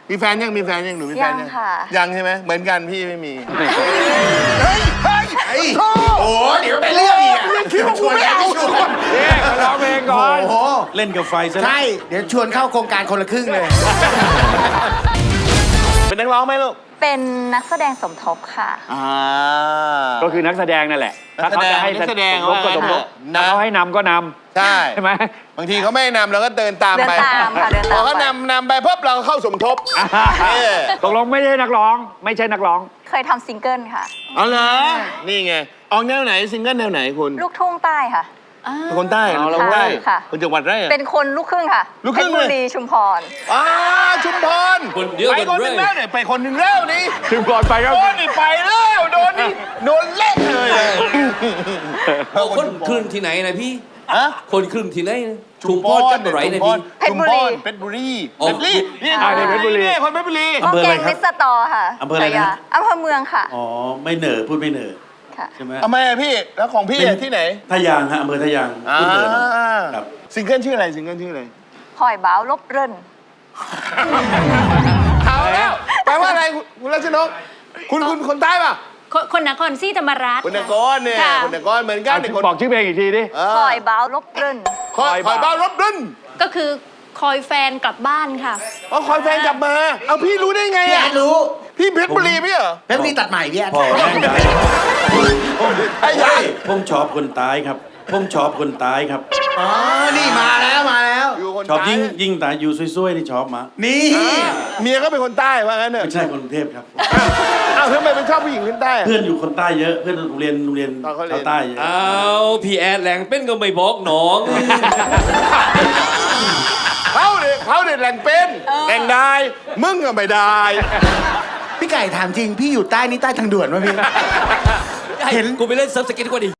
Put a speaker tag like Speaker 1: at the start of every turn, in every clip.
Speaker 1: มีแฟนยังหนูมีแฟนยัง
Speaker 2: ยังค่ะ
Speaker 1: ยังใช่ไหมเหมือนกันพี่ไม่มี
Speaker 3: โอ้เดี๋ยวไปเรื่องอีกคิดว่ากูไม่เอา
Speaker 4: ร้องเพลงก่อน
Speaker 3: โอ้โห
Speaker 5: เล่นกับไฟซะ
Speaker 3: ใช่เดี๋ยวชวนเข้าโครงการคนละครึ่งเลย
Speaker 1: เป็นนักร้องไหมลูก
Speaker 2: เป็นนักแสดงสมทบค่ะ
Speaker 4: ก็คือนักแสดงนั่นแหละถ้าเขาจะให้
Speaker 1: นักแสดง
Speaker 4: สมทบก็สมทบ
Speaker 1: นะ
Speaker 4: ถ้าเขาให้นำก็นำ
Speaker 1: ใช่
Speaker 4: ใช่ไหม
Speaker 1: บางทีเขาไม่นำเราก็เดินตามไป
Speaker 2: เดินตามค่ะเดินตาม
Speaker 1: พอเขานำไปปุ๊บเราก็เข้าสมทบ
Speaker 4: ตกลงไม่ใช่นักร้อง ไม่ใช่นักร้อง
Speaker 2: เคยทำซิงเกิลค่ะ
Speaker 1: เอาเหรอนี่ไงออกแนวไหนซิงเกิลแนวไหนคุณ
Speaker 2: ลูกทุ่งใต้ค่ะ
Speaker 1: เป็นคนใต้
Speaker 4: เอา
Speaker 1: เรา
Speaker 4: เรา
Speaker 1: คนใต้
Speaker 2: ค่ะ
Speaker 1: คนจังหวัดไรอะ
Speaker 2: เป็นคนลูกครึ่งค่ะ
Speaker 1: ลูกครึ่ง
Speaker 2: เพชรบุ
Speaker 1: เลย
Speaker 2: รีชุมพร
Speaker 1: ชุมพร
Speaker 5: คนเดียว
Speaker 1: ไป
Speaker 5: กัน
Speaker 1: คนห
Speaker 5: เล
Speaker 1: นึ่ง
Speaker 5: ย
Speaker 1: แล้วเนี่ยไปคนหนึ่งแล้วนี่
Speaker 4: ถึงก่อนไปก็
Speaker 1: โดนนี่ไปแล้วโดนนี่โดนเละเลย
Speaker 5: คนครึ่งที่ไหนนะพี่
Speaker 1: ฮะ
Speaker 5: คนครึ่งที่ไหนนะชุมพรจังหวัดไหนนะพี่
Speaker 2: เพชรบุรี
Speaker 1: เพชรบุรี
Speaker 5: อ๋อ
Speaker 1: เพชรบุรีนี่
Speaker 4: เพชรบุรี
Speaker 1: นี่คนเพชรบุรี
Speaker 3: อำเภออะไร
Speaker 2: แกง
Speaker 3: ครับ
Speaker 2: มิสตอค่ะ
Speaker 3: อำเภออะไรนะ
Speaker 2: ฉายาอำเภอเมืองค่ะ
Speaker 3: อ๋อไม่เหน่อพูดไม่เหน่อ
Speaker 2: ค่ะ
Speaker 3: ใช่ไหม
Speaker 1: ทำไมอะพี่แล้วของพี่อะที่ไหน
Speaker 3: ท่ายางฮะอำเภอท่ายางพูดเหน่อหน่อยครับ
Speaker 1: ซิงเกิลชื่ออะไรซิงเกิลชื่ออะไร
Speaker 2: พลอยบ้าวลบเริน
Speaker 1: เอาแล้วแปลว่าอะไรคุณรัชนกคุณคนใต้ป่ะ
Speaker 6: คนนครศรีธรรมราช
Speaker 1: คนนครเนี่ย
Speaker 6: ค่ะ
Speaker 1: คนนครเหมือนกันเนี่ยคน
Speaker 4: บอกชื่อเพลงอีกทีดิ
Speaker 2: พลอยบ้าวลบเริน
Speaker 1: คอยบ้ารถดึน
Speaker 6: ก็คือคอยแฟนกลับบ้านค่ะ
Speaker 1: อ๋อคอยแฟนกลับมา เอาพี่รู้ได้ไง
Speaker 3: พี่แอ
Speaker 1: อ่ะ
Speaker 3: ดรู้
Speaker 1: พี่เพชรบุรีพี่เหรอ
Speaker 3: เพชรบุรีตัดใหม่พี่แอด
Speaker 5: พ่อแม่งได้
Speaker 1: ไอ้ยาย
Speaker 5: ผมชอบคนตายครับ ผมชอบคนตายครับ
Speaker 3: อ๋อนี่มาแล้วมาแล้ว
Speaker 1: อยู่คน
Speaker 5: ชอบ
Speaker 1: ใต้
Speaker 5: ยิ่งตายอยู่ซวยๆนี่ชอบมา
Speaker 3: นี่
Speaker 1: เมียก็เป็นคนใต้ว่างั้นเนอะ
Speaker 5: ไม่ใช่คนกรุงเทพครับ
Speaker 1: อ้าวทำไมเป็นชอบผู้หญิงคนใต้อะ
Speaker 5: เพื่อนอยู่คนใต้เยอะ เพื่อนโรงเรียน
Speaker 1: ตอนเขาเรียน
Speaker 5: ชาวใต้เยอะ
Speaker 7: เอาพี่แอดแหลงเป็นก็ไม่บอกน้อง
Speaker 1: เขาเด็ดแหล่งเป็นแหล่งได้มึงก็ไม่ได้
Speaker 3: พี่ไก่ถามจริงพี่อยู่ใต้นี่ใต้ทางด่วนป่ะพี่ เห็น
Speaker 7: กูไปเล่นเซิร์ฟสเก็ตดีกว่าดิ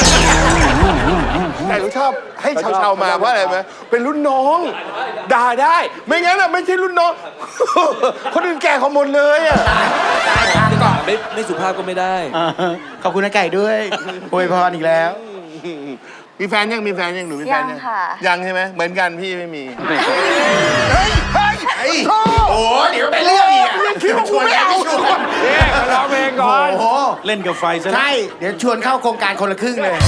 Speaker 1: แต่เขาชอบให้ชาวๆมาเพราะอะไรไหมเป็นรุ่นน้องด่าได้ ไม่งั้นอ่ะไม่ใช่รุ่นน้อง คนอื่นแก่เขาหมดเลยอ่ะ
Speaker 7: ไม่สุภาพก็ไม่ได้
Speaker 3: ขอบคุณนะไก่ด้วยอวยพรอีกแล้ว
Speaker 1: มีแฟนยังหนูมีแฟน
Speaker 2: ยั
Speaker 1: ยัง
Speaker 2: ค่ะ
Speaker 1: ยังใช่ไหมเหมือนกันพี่ไม่มี
Speaker 3: โอ้เดี๋ยวไปเรื่องอีกคิดว่ากูไม่เอา
Speaker 4: ร้องเพลงก่อน
Speaker 3: โอ้โห
Speaker 5: เล่นกับไฟซะ
Speaker 3: ใช่เดี๋ยวชวนเข้าโครงการคนละครึ่งเลย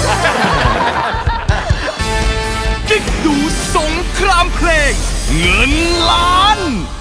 Speaker 8: กิ๊กดูสงครามเพลงเงินล้าน